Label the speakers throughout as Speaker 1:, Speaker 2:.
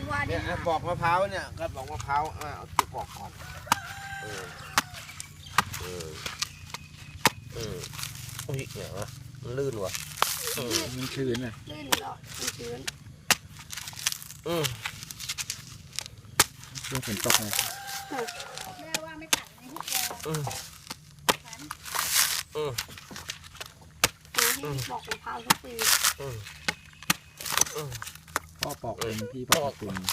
Speaker 1: ว่าดิ
Speaker 2: เนี่ยปอกมะพร้าวเนี่ยก็ปอกมะพร้าวเอาตัวปอกก่อนอุ้ยเนี่ยมันลื่นว่ะ
Speaker 3: มันชื้นเลย
Speaker 1: ลื่นเหรอมันชื้น
Speaker 3: เรื่องฝนตกเลย
Speaker 4: แม่ว่าไม่ตัดในที่แกฉัน
Speaker 1: ให้บอกมะพร้าวทุกปี
Speaker 3: พ่อปอกเองพี่ปอกเอง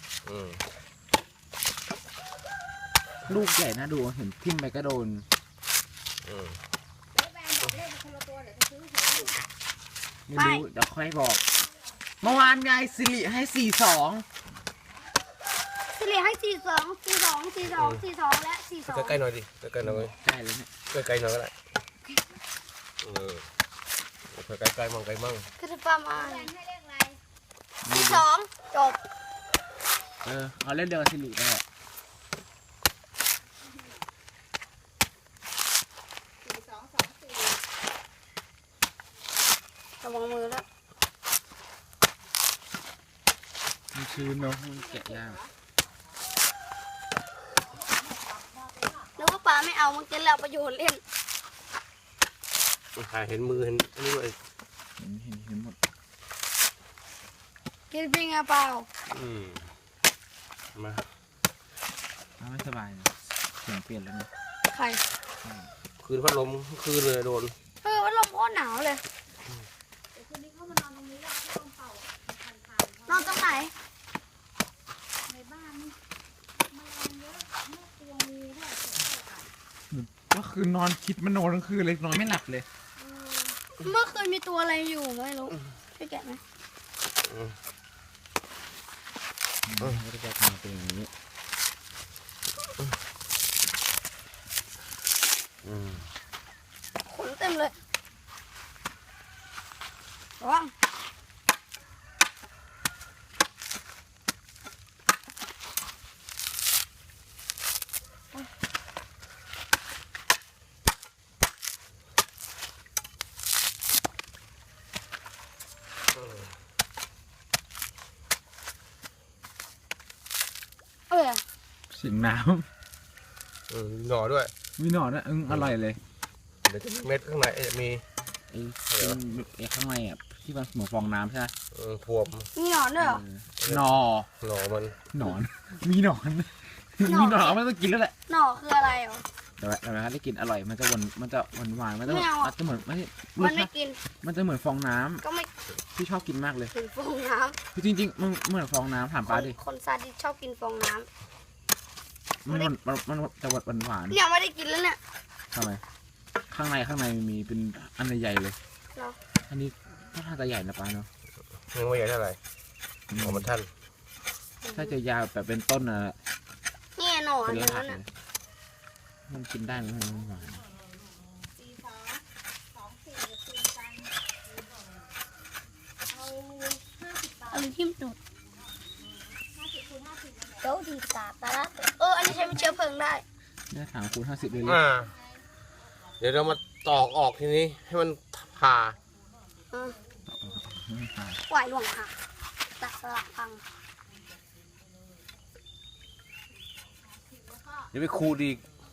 Speaker 3: ลูกใหญ่นะดูเห็นทิ่มไปก็โดน
Speaker 4: แล้วแบนบอกเลขเป็นคนละตัวเดี๋ยวจะซื้อหวย
Speaker 3: ไม่รู้เดี๋ยวค่อยบอกเมื่อวานยายสิริให้42
Speaker 1: สิริให้42และ42
Speaker 2: ใกล้ๆหน่อยดิใกล้ๆหน่อย
Speaker 3: ใกล้เลยเนี่ย
Speaker 2: ใกล้ๆหน่อยก็ได้ใกล้ๆมั่งใกล้มั่ง
Speaker 1: คือประมาณ
Speaker 4: แบนให้เลขอะไร
Speaker 1: 42จบ
Speaker 3: เอาเล่นเดียวกับสิริได้
Speaker 4: 4224
Speaker 1: ระวังมือแล้ว
Speaker 3: มันชื้นเนาะมันแกะยาก
Speaker 1: นึกว่าปลาไม่เอามันกินแล้วประโยชน์เล่น
Speaker 2: ถ่ายเห็นมือเห็นนี่เลย
Speaker 3: เห็นหมด
Speaker 1: กินเป็นไงเปล่า
Speaker 2: มา
Speaker 3: ไม่สบายเลยเสียงเปลี่ยนแล้วนะ
Speaker 1: ใคร
Speaker 2: คืนพัดลมคืนเลยโดน
Speaker 1: ว่าลมโคตรหนาวเลย
Speaker 4: เดี๋ยวคืนนี้เข้ามานอนตรงนี้แล้วเอาพัดลมเป่าผ่าน
Speaker 1: นอนตรงไหน
Speaker 4: ในบ้านนี่แมลงเยอะแม่กลัวงูด้วย
Speaker 3: ก็คือนอนคิดมันโนทั้งคืนเลยนอนไม่หลับเลย
Speaker 1: เมื่อคืนมีตัวอะไรอยู่ไม่รู้ช่วยแกะไหม
Speaker 3: ไม่ได้จะทำเป็นอย่างนี้
Speaker 1: ขนเต็มเลยระวัง
Speaker 3: เสียงน้
Speaker 2: หน่อด้วย
Speaker 3: ำมีหนอนนะอร่อยเลย
Speaker 2: เดี๋ยวจะมีเม็ดข้างในจะมี
Speaker 3: ไอ้ข้างในอ่ะที่มันเหมือนฟองน้ำใช่ไหม
Speaker 2: พวม
Speaker 1: มีหนอนด้วยเหรอ
Speaker 3: หนอ
Speaker 2: หน่อมัน
Speaker 3: หนอน มีหนอน มีหนอนมันต้องกินแล้วแหละ
Speaker 1: หน่อคืออะไรเหรอ
Speaker 3: เดี๋ยวนะได้กินอร่อยมันจะหวานมันจะหวานมันจะ
Speaker 1: ไม่เอาอะ
Speaker 3: มันจะเหมือนไม่
Speaker 1: มันไม่กิน
Speaker 3: มันจะเหมือนฟองน้
Speaker 1: ก็ไม่
Speaker 3: ำที่ชอบกินมากเลย
Speaker 1: กินฟองน้
Speaker 3: คือจริงๆมันเหมือนฟองน้ำถาม
Speaker 1: ำ
Speaker 3: ป้าดิ
Speaker 1: คนซาดิสชอบกินฟองน้
Speaker 3: มันจะหวาน
Speaker 1: ำเนี่ยไม่ได้กินแล้วเนี่ย
Speaker 3: ทำไมข้างในมีเป็นอันใหญ่ๆเลย
Speaker 1: เหรอ
Speaker 3: อันนี้ก็ท่าจะใหญ่นะป้าเนาะ
Speaker 2: ยังไม่ใหญ่เท่าไหร่ของมันท่าน
Speaker 3: ถ้าจะยาวแบบเป็นต้นอะ
Speaker 1: เนี่ยหน่อ
Speaker 3: เป็น
Speaker 1: อัน
Speaker 3: ราก
Speaker 1: นั้น
Speaker 3: เล
Speaker 1: น่ะ
Speaker 3: ยมันกินได้ไหมมันหวาน
Speaker 1: อะไรที่มันดูดเดี๋ยวดีตาตาละอันนี้ใช้เป็นเชื้อเพลิงได้
Speaker 3: เนี่ยถังคูณ50เลยเลย
Speaker 2: เดี๋ยวเรามาตอกออกทีนี้ให้มันผ่า
Speaker 1: ไหวหลวงค่ะตัดสลักพัง
Speaker 2: เดี๋ยวไปขูดอีก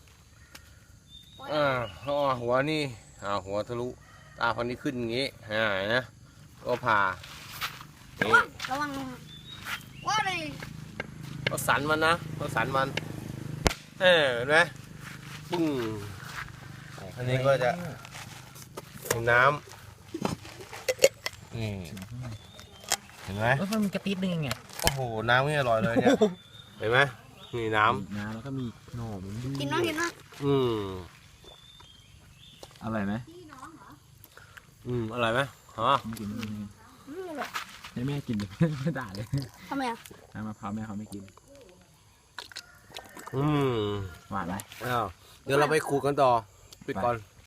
Speaker 2: หัวนี่หัวทะลุตาพันนี้ขึ้นอย่างงี้นะก็ผ่านี่
Speaker 1: ระวังว่าเลย
Speaker 2: ก็สันมันนะก็สันมันเห็นไหมปึ้งอันนี้ก็จะเป็นน้ำนี่เห็นไหม
Speaker 3: มันมีกระติบนึงไง
Speaker 2: โอ้โหน้ำนี่อร่อยเลยเนี่ยเห็นไหมนี่น้
Speaker 3: น้ำแล้วก็มีหน่อมันด้วย
Speaker 1: กินน้องกินน้อง
Speaker 3: อร่อยไหม
Speaker 2: อร่อยไหม
Speaker 3: ไม่กินให้แม่กินดิไม่ด่าเลย
Speaker 1: ทำไมอ่ะ
Speaker 3: น้ำมะพร้าวแม่เขาไม่กิน หวานไหม
Speaker 2: เดี๋ยวเราไปขูดกันต่อปิดก่อน